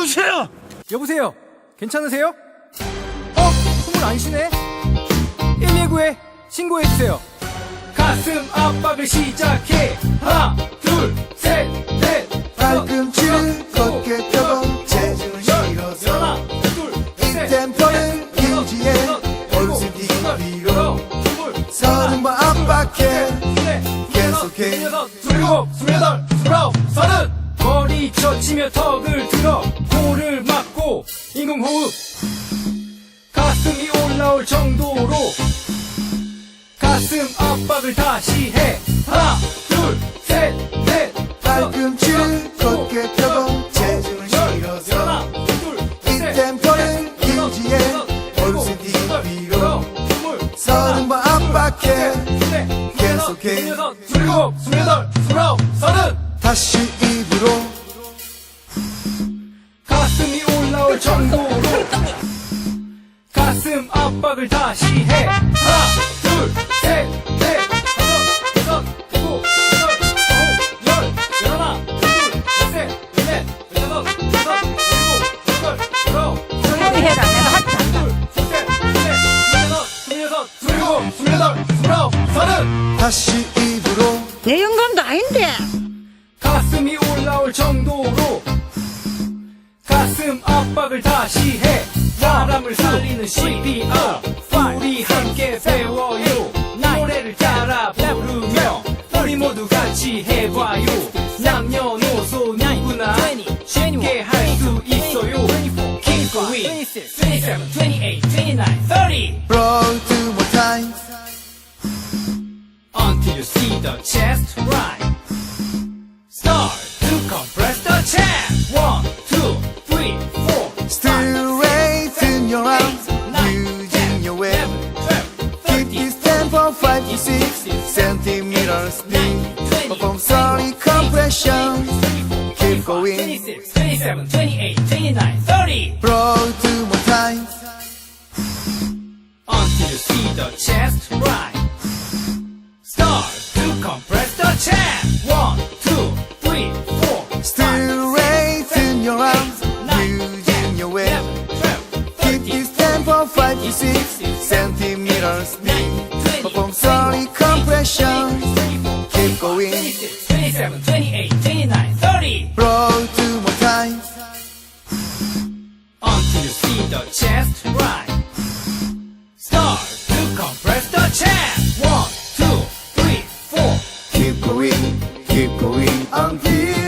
여보세요? 여보세요? 괜찮으세요? 숨을 안 쉬네? 119에 신고해주세요. 가슴 압박을 시작해. 하나, 둘, 셋, 넷. 발꿈치를 걷게 펴고 체중을 실어서 하나, 둘, 이 템포는 유지해 얼굴 뒤로 서는 번 압박해 계속해 27, 28, 29, 30. 머리 젖히며 턱을 들어 코를 막고 인공호흡. 가슴이 올라올 정도로 가슴 압박을 다시 해. 하나, 둘, 셋, 넷. 발꿈치를 걷게 펴고 체중을 실어서 하나, 둘, 이 템포는 유지해 얼굴 뒤로 서는 번 압박해 계속해 27, 28, 29, 30. 다시 입으로 가슴이 올라올 정도로 가슴 압박을 다시 해. 하나, 둘, 셋, 넷, 다섯, 여섯, 일곱, 여덟, 아홉, 열. 열하나, 둘, 셋, 넷, 여섯, 여섯, 일곱, 여덟, 열아홉, 조용히 해라. 내가 하지 않는다. 둘, 셋, 넷, 여섯, 스물여섯, 스물일곱, 스물여덟, 스물아홉, 30. 다시 입으로 내 영감도 아닌데. 가슴이 올라올 정도로 가슴 압박을 다시 해. 사람을 살리는 CPR 우리 함께 배워요. 노래를 따라 부르며 우리 모두 같이 해봐요. 남녀노소 누구나 쉽게 할 수 있어요. Keep going 27, 28, 29, 30 Roll two more times Until you see the chest rise. Start to compress the chest. 1, 2, 3, 4, Straighten your arms using your weight Keep this tempo 5 to 6 centimeters speed Perform sorry compression Keep going 26, 27, 28, 29, 30 Roll two more times Until you see the chest rise. Start to compress the chest. 1, 2, 3, 4, Straighten your arms using your weight Keep this tempo 5 to 6 centimeters speed Perform sorry compression Keep going 26, 27, 28, 29, 30 Roll two more times Until you see the chest rise. Start to compress the chest. 1, 2, 3, 4 Keep going until